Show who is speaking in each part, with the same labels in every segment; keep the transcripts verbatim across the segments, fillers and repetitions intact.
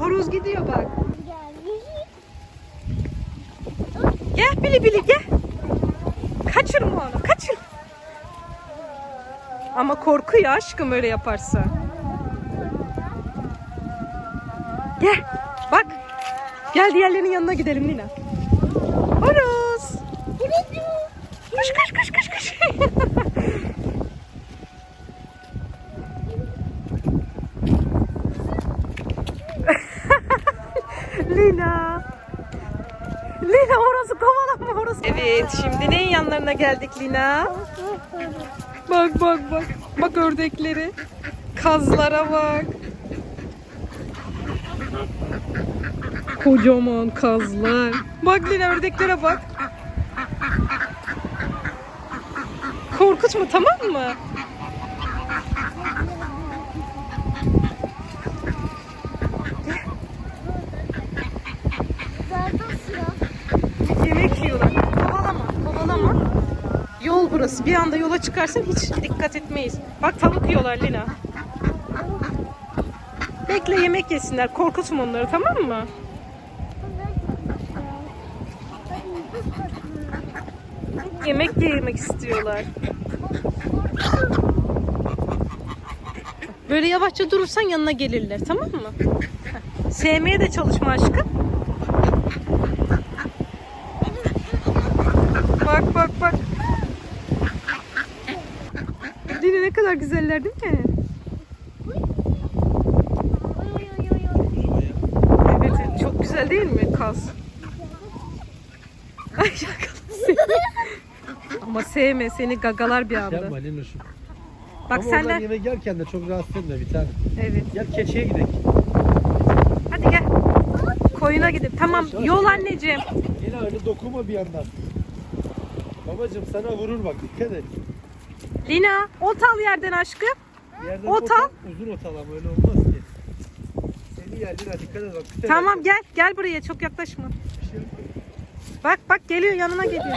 Speaker 1: Horoz gidiyor bak. Gel Bili Bili gel. Kaçırma onu, kaçır. Ama korkuyor aşkım öyle yaparsa. Gel bak. Gel diğerlerinin yanına gidelim Lina. Horoz. Koş koş koş koş koş. Lina. Lina horozu kovalama horozu. Evet şimdi neyin yanlarına geldik Lina? Bak bak bak. Bak ördekleri. Kazlara bak. Kocaman kazlar. Bak Lina ördeklere bak. Korkutma tamam mı? Yemek yiyorlar. Kovalama, kovalama. Yol burası. Bir anda yola çıkarsan hiç dikkat etmeyiz. Bak tavuk yiyorlar Lina. Bekle yemek yesinler. Korkutma onları tamam mı? Yemek yemek istiyorlar. Böyle yavaşça durursan yanına gelirler tamam mı? Sevmeye de çalışma aşkım. Bak bak bak. Dini ne kadar güzeller değil mi? Evet çok güzel değil mi kaz? Ay ama sevme seni gagalar bir anda.
Speaker 2: Yapma Linoş'um.
Speaker 1: Bak
Speaker 2: Ama
Speaker 1: senler.
Speaker 2: yemek yerken de çok rahatsız etme bir tane.
Speaker 1: Evet.
Speaker 2: Gel keçiye gidelim.
Speaker 1: Hadi gel. Koyuna gidip. Tamam yol anneciğim.
Speaker 2: Yine öyle dokunma bir yandan. Babacığım sana vurur bak dikkat et.
Speaker 1: Lina ot al yerden aşkım.
Speaker 2: Yerden
Speaker 1: Ot
Speaker 2: ot
Speaker 1: al.
Speaker 2: al. Uzun ot al ama öyle olmaz ki. Seni yer Lina dikkat et bak. Bir tane-
Speaker 1: Tamam gel. Gel buraya çok yaklaşma.
Speaker 2: Bir şey yok.
Speaker 1: Bak bak geliyor yanına geliyor.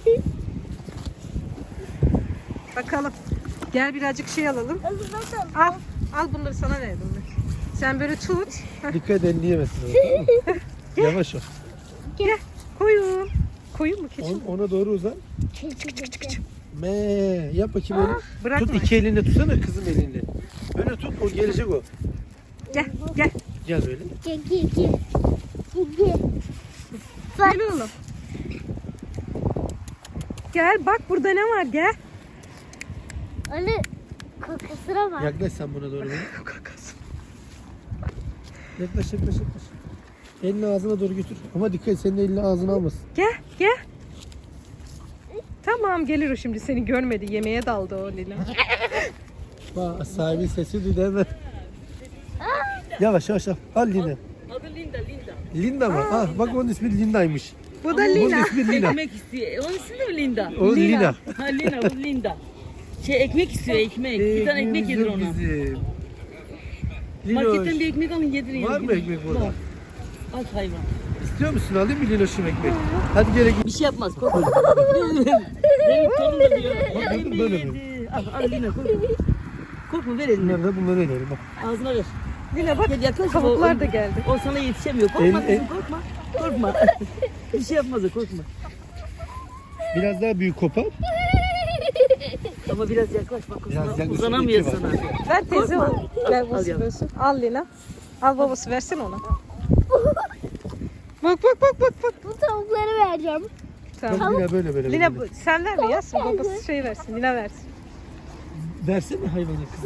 Speaker 1: Bakalım. Gel birazcık şey alalım. Al. Al bunları sana verdim ben. Sen böyle tut. Heh,
Speaker 2: Dikkat et elini yemesin. Tamam mı? Yavaş ol.
Speaker 1: gel. Koyun. Koyun mu keçi mi?
Speaker 2: On- ona doğru uzan. Me yap bakayım öyle.
Speaker 1: Bırakma.
Speaker 2: Tut iki elinle tutsana kızım elinle. Böyle tut o gelecek o.
Speaker 1: Gel gel.
Speaker 2: Gel böyle.
Speaker 1: Gel oğlum. Gel bak burada ne var gel.
Speaker 3: Anne kakasına bak.
Speaker 2: Yaklaş sen buna doğru. Böyle. Yaklaş yaklaş yaklaş. Elini ağzına doğru götür. Ama dikkat et senin elini ağzına almasın.
Speaker 1: Gel gel. Tamam gelir o şimdi seni görmedi. Yemeğe daldı o Lina.
Speaker 2: Bak sahibin sesi duydu hemen. Yavaş yavaş al. Al Lina.
Speaker 4: Adı Linda, Linda.
Speaker 2: Linda mı? Ah bak onun ismi Linda'ymış.
Speaker 1: Bu da
Speaker 2: Bunun
Speaker 1: Lina.
Speaker 2: ismi Lina.
Speaker 4: Ekmek istiyor. Onun ismi de mi Linda?
Speaker 2: O
Speaker 1: Lina.
Speaker 2: Lina.
Speaker 4: Ha Lina, bu Linda. Şey ekmek istiyor, ekmek. Bir tane ekmek yedir ona.
Speaker 2: Bizim.
Speaker 4: Marketten
Speaker 2: Linoş.
Speaker 4: bir ekmek alın yedirin.
Speaker 2: Var mı ekmek burada?
Speaker 4: Var. Aç hayvan.
Speaker 2: İstiyor musun? Alayım mı Linoş'um ekmek? Hadi gel ekmek.
Speaker 4: Bir şey yapmaz, korkma. Benim torun da diyor.
Speaker 2: Bak,
Speaker 4: Ekmeği
Speaker 2: bakın böyle mi?
Speaker 4: yedi. Al, al Lina korkma. Korkma ver eline.
Speaker 2: Bunları da bunları önerim bak.
Speaker 4: Ağzına ver.
Speaker 1: Lina bak
Speaker 4: Gel yaklaş.
Speaker 1: tavuklar
Speaker 4: O-
Speaker 1: da geldi.
Speaker 4: O sana yetişemiyor. Korkma
Speaker 2: El-
Speaker 4: kızım
Speaker 2: el-
Speaker 4: korkma. Korkma. Bir şey yapmaz o korkma.
Speaker 2: Biraz daha büyük kopar.
Speaker 4: Ama biraz yaklaş bak.
Speaker 2: Biraz
Speaker 4: Uzana,
Speaker 2: yaklaş,
Speaker 4: uzanamıyor
Speaker 2: iki var.
Speaker 4: sana.
Speaker 1: Ver teyze
Speaker 4: Korkma.
Speaker 1: onu. Ver
Speaker 4: Al
Speaker 1: babası
Speaker 4: yavrum.
Speaker 1: versin. Al Lina. Al babası versin ona. Bak bak bak bak bak.
Speaker 3: Bu tavukları vereceğim.
Speaker 2: Bak
Speaker 1: Tamam.
Speaker 2: Lina böyle böyle.
Speaker 1: Lina
Speaker 2: böyle.
Speaker 1: bu- sen verme ya. Babası şey versin. Lina versin.
Speaker 2: Versene hayvana kızım.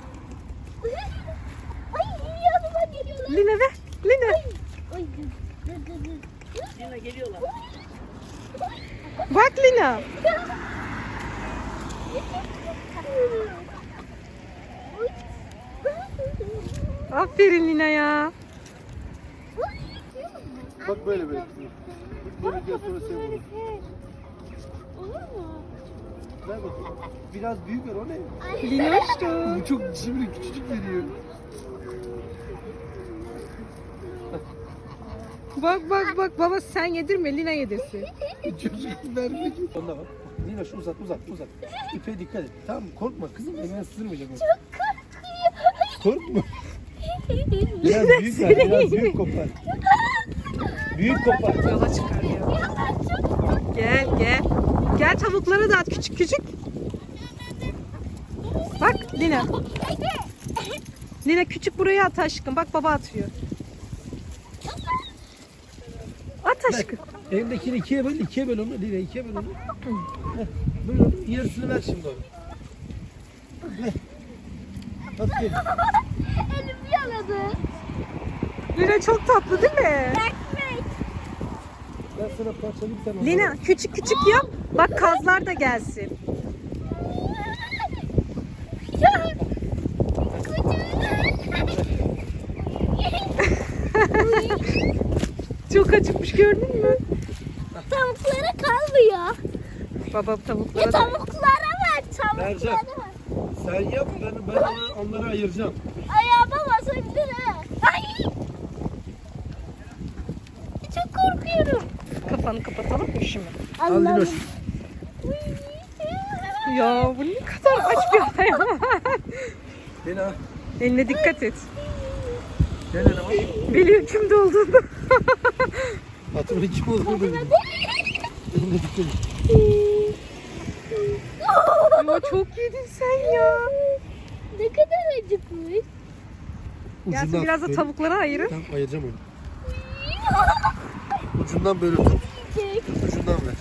Speaker 3: Ay yanıma geliyorlar.
Speaker 1: Lina ver. Lina.
Speaker 3: Ay.
Speaker 4: Lina geliyorlar.
Speaker 1: Bak Lina. Aferin Lina ya.
Speaker 2: Bak böyle böyle kızım. Böyle gel sonra sen bunu.
Speaker 3: Olur mu?
Speaker 2: Ver bakayım. Biraz büyük ver o ne?
Speaker 1: Linoş'tu.
Speaker 2: Bu çok şimdi küçücük veriyor.
Speaker 1: Bak bak bak baba sen yedirme Lina yedirsin.
Speaker 2: Çocuk vermek. Onda bak. Lina şu uzat uzat uzat. İpe dikkat et. Tamam mı? Korkma kızım eline sızırmayacak. o.
Speaker 3: Çok korkuyor.
Speaker 2: Korkma. Biraz büyük ver, biraz büyük kopar. Büyük kopar.
Speaker 1: Yola çıkarıyor. Gel gel. Gel tavukları da at küçük küçük. Bak Lina. Lina küçük buraya at aşkım. Bak baba atıyor. At aşkım.
Speaker 2: Elimdekini ikiye böl, ikiye böl onu. Lina ikiye böl onu. Heh, böl onu. Yarısını ver şimdi onu. Ver. Aferin.
Speaker 3: Elim yaladı.
Speaker 1: Lina çok tatlı değil mi?
Speaker 3: Ekmek.
Speaker 2: Ben sana parçalayayım sen onu.
Speaker 1: Lina küçük küçük yap. Bak kazlar da gelsin.
Speaker 3: Ya.
Speaker 1: Çok acıkmış gördün mü?
Speaker 3: Tavuklara kalmıyor.
Speaker 1: Baba
Speaker 3: Ya
Speaker 1: tavuklara da.
Speaker 3: tavuklara ver.
Speaker 2: Mercan.
Speaker 3: Tavuklara ver.
Speaker 2: Sen yap, ben, ben onu, onları ayıracağım.
Speaker 3: Ayağıma basabilir ha. Ay. Çok korkuyorum.
Speaker 1: Kafanı kapatalım mı şimdi?
Speaker 2: Al Linoş.
Speaker 1: Ya bu ne kadar aç bir hayvan.
Speaker 2: Lina.
Speaker 1: Eline dikkat et.
Speaker 2: Gel Lina bak.
Speaker 1: Biliyor kimde olduğunu.
Speaker 2: Hatırlı kim olduğunu bilmiyorum. Eline dikkat et.
Speaker 1: Ama çok yedin sen ya.
Speaker 3: Ne kadar acıkmış.
Speaker 1: Gelsin biraz da
Speaker 2: böyle-
Speaker 1: tavuklara ayırın.
Speaker 2: Tamam ayıracağım onu. Ucundan böyle tut.
Speaker 3: Çek.
Speaker 2: Ucundan ver.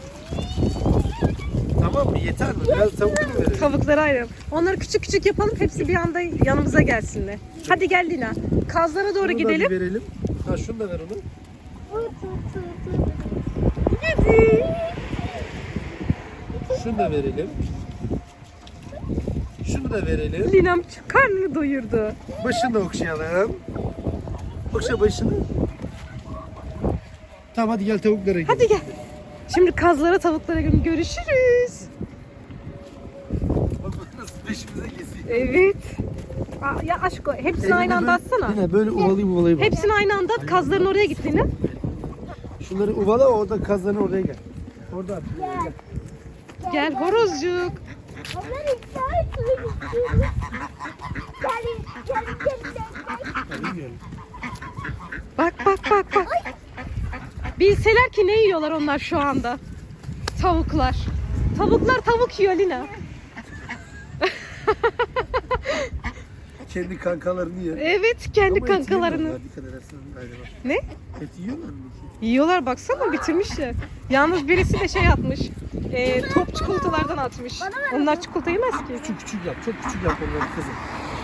Speaker 2: Tamam mı? Yeter mi? Biraz tavuk mu verelim?
Speaker 1: Tavuklara ayırın. Onları küçük küçük yapalım. Hepsi bir anda yanımıza gelsinler. Hadi gel Lina. Kazlara doğru
Speaker 2: Bunu da bir
Speaker 1: gidelim.
Speaker 2: verelim. Ha şunu da ver onu. Şunu da verelim. Şunu da verelim.
Speaker 1: Lina'm karnını doyurdu.
Speaker 2: Başını da okşayalım. Okşa başını. Tamam hadi gel tavuklara gidelim.
Speaker 1: Hadi gel. Şimdi kazlara tavuklara gö- görüşürüz.
Speaker 2: Bak bak nasıl peşimize geziyor.
Speaker 1: Evet. Aa, ya aşko hepsini aynı anda atsana.
Speaker 2: Yine böyle uvalayıp uvalayıp. al.
Speaker 1: Hepsini aynı anda at. Kazların oraya git Lina.
Speaker 2: Şunları uvala orada kazanı oraya gel. Orada at. Gel.
Speaker 1: Gel horozcuk.
Speaker 3: Onlar iptal etmek istiyorum. Gel, gel, gel, gel.
Speaker 2: Ya, bilmiyorum.
Speaker 1: Bak bak bak bak. Bilseler ki ne yiyorlar onlar şu anda. Tavuklar. Tavuklar tavuk yiyor Lina.
Speaker 2: Kendi kankalarını yer.
Speaker 1: Evet kendi
Speaker 2: Ama et
Speaker 1: kankalarını.
Speaker 2: yemiyorlar, dikkat edersen galiba.
Speaker 1: Ne?
Speaker 2: Et yiyorlar mı ki?
Speaker 1: Yiyorlar baksana bitirmişler. Yalnız birisi de şey atmış. E, top çikolatalardan atmış. Onlar çikolata yemez ki.
Speaker 2: Küçük küçük yap. Çok küçük yap onları kızım.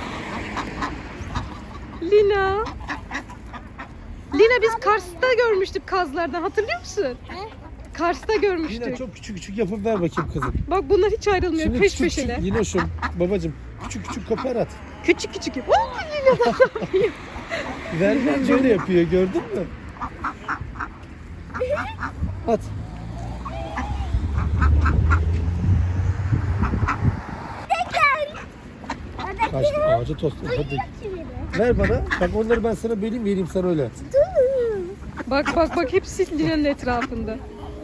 Speaker 1: Lina. Lina biz Kars'ta görmüştük kazlardan hatırlıyor musun? Kars'ta
Speaker 2: Yine
Speaker 1: görmüştük.
Speaker 2: çok küçük küçük yapıp ver bakayım kızım.
Speaker 1: Bak bunlar hiç ayrılmıyor
Speaker 2: Şimdi
Speaker 1: peş
Speaker 2: küçük
Speaker 1: peşeler.
Speaker 2: küçük yine şu babacım küçük küçük kopar at.
Speaker 1: Küçük küçük yap. Oo, Lina.
Speaker 2: Vermem öyle yapıyor gördün mü? At. Kaçtı ağaca tost. Hadi. Ver bana. Bak onları ben sana böleyim vereyim sana öyle.
Speaker 1: Bak bak bak hepsi Lina'nın etrafında.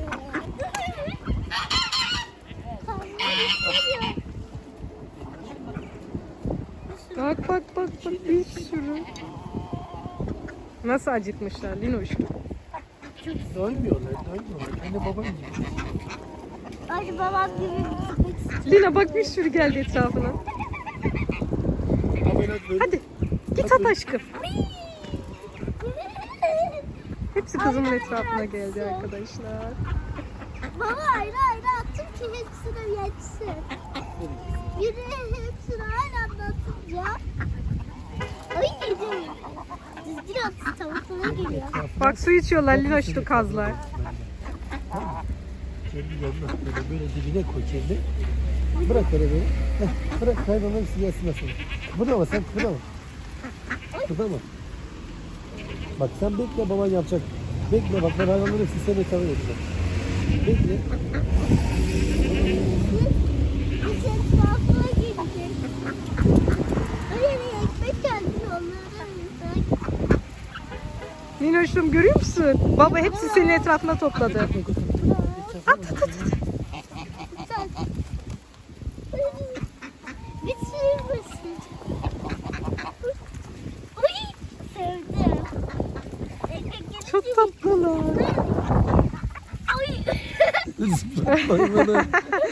Speaker 1: Bak bak bak bak bir sürü. Nasıl acıkmışlar Linoş.
Speaker 2: Doymuyorlar, doymuyorlar. Anne babam gibi.
Speaker 3: Hadi babam gibi gitmek istiyorum.
Speaker 1: Lina bak bir sürü geldi etrafına.
Speaker 2: Ama ben böyle
Speaker 1: Hadi git at aşkım. Hepsi kızımın etrafına geldi arkadaşlar.
Speaker 3: Baba ayrı ayrı attım ki hepsine yetsin. Biri hepsini aynı anda atınca. Ay yedim. Düzgün attı tavuklara geliyor.
Speaker 1: Bak su içiyorlar Linoşlu kazlar.
Speaker 2: kendi yanına böyle, böyle dibine koy kendi. Bırak öyle böyle. Heh, bırak hayvanlar hepsi gelsin nasıl. Kıpırdama sen kıpırdama. Kıpırdama. Bak sen bekle baban yapacak. Bekle bak ben hayvanların hepsini seni tavır edeceğim. Bekle.
Speaker 3: Biz etrafına gidecek. Hayır ekmek geldi onlardan yesek.
Speaker 1: Linoş'um görüyor musun? Baba hepsi senin etrafına topladı. At at at.
Speaker 3: Sen. Bitirmesin. Ay.
Speaker 2: Hayvanı.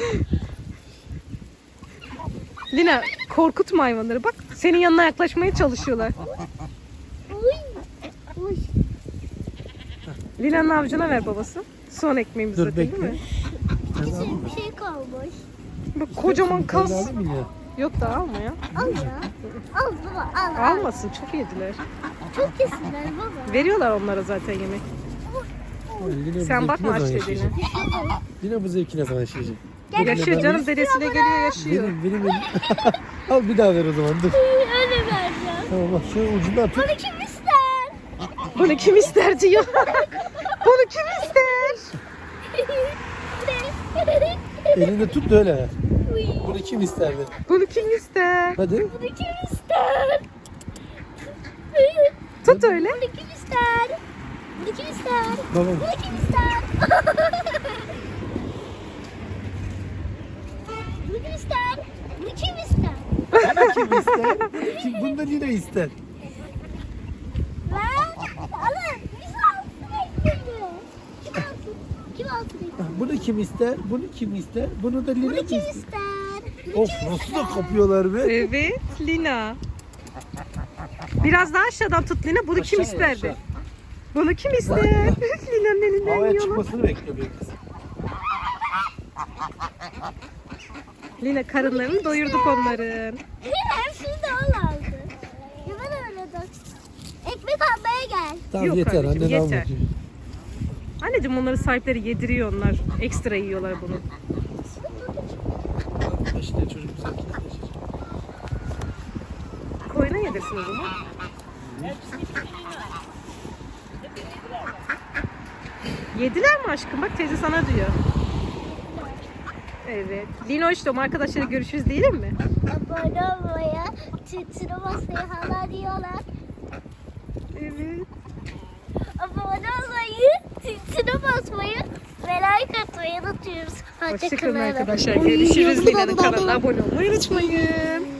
Speaker 1: Lina korkutma hayvanları. Bak senin yanına yaklaşmaya çalışıyorlar.
Speaker 3: Uy. Uy.
Speaker 1: Lina'nın avucuna ver babası. Son ekmeğimiz
Speaker 2: Dur,
Speaker 1: zaten değil
Speaker 2: bekle.
Speaker 1: mi?
Speaker 3: Küçük bir şey kalmış.
Speaker 1: Bak kocaman kas.
Speaker 2: Sen aldın mı ya?
Speaker 1: Yok da alma ya.
Speaker 3: Al ya. Al baba al. al.
Speaker 1: Almasın çok yediler.
Speaker 3: Çok kesinler baba.
Speaker 1: Veriyorlar onlara zaten yemek.
Speaker 2: Yine bu
Speaker 1: Sen
Speaker 2: zevki
Speaker 1: bakma
Speaker 2: ne
Speaker 1: aç
Speaker 2: zaman
Speaker 1: dediğine.
Speaker 2: yaşayacak? Yine bu zevki ne zaman yaşayacak?
Speaker 1: Yaşıyor canım dedesiyle geliyor yaşıyor.
Speaker 2: Benim, benim, benim. Al bir daha ver o zaman dur.
Speaker 3: Öyle vereceğim.
Speaker 2: Tamam bak şöyle ucundan tut.
Speaker 3: Bunu kim ister?
Speaker 1: Bunu kim ister diyor. Bunu kim ister?
Speaker 2: Elinde tut da öyle ver. Bunu kim ister dedi.
Speaker 1: Bunu kim ister?
Speaker 2: Hadi.
Speaker 3: Bunu kim ister?
Speaker 1: Tut öyle.
Speaker 3: Bunu kim ister? Bunu kim ister?
Speaker 2: Babam.
Speaker 3: Bunu kim ister? Bunu kim ister? Bunu kim ister?
Speaker 2: Kim ister? Kim, bunu da yine ister.
Speaker 3: Ben alın. Biz alsın ekmeği. Kim alsın? Kim alsın ekmeği?
Speaker 2: Bunu kim ister? Bunu kim ister? Bunu da Lina
Speaker 3: Bunu
Speaker 2: mı
Speaker 3: kim
Speaker 2: ister?
Speaker 3: ister?
Speaker 2: Of nasıl da kapıyorlar be.
Speaker 1: Evet Lina. Biraz daha aşağıdan tut Lina. Bunu kim
Speaker 2: Aşağı,
Speaker 1: isterdi?
Speaker 2: aşağı.
Speaker 1: Bunu kim ister? Lina'nın elinden
Speaker 2: Havaya
Speaker 1: yiyorlar.
Speaker 2: çıkmasını bekliyor benim kız.
Speaker 1: Lina karınlarını doyurduk onların.
Speaker 3: Hepsini de al aldı. Ya ben öyle de. Ekmek almaya gel.
Speaker 2: Tamam
Speaker 1: Yok
Speaker 2: yeter
Speaker 1: anneciğim,
Speaker 2: annen al
Speaker 1: yeter.
Speaker 2: bakayım.
Speaker 1: Anneciğim onları sahipleri yediriyor onlar. Ekstra yiyorlar bunu.
Speaker 2: İşte çocuk güzel kitleşir.
Speaker 1: Koyuna yedirsin o zaman. Yediler mi aşkım? Bak teyze sana diyor. Evet. Linoş'tum arkadaşlarla görüşürüz diyelim mi?
Speaker 3: Abone olmaya, tütünü basmayı hala diyorlar.
Speaker 1: Evet.
Speaker 3: Abone olmayı, tütünü basmayı ve like atmayı unutuyoruz.
Speaker 1: Hoşçakalın
Speaker 3: Hoşçakalın
Speaker 1: arkadaşlar. Görüşürüz. Lina'nın kanalına abone olmayı unutmayın.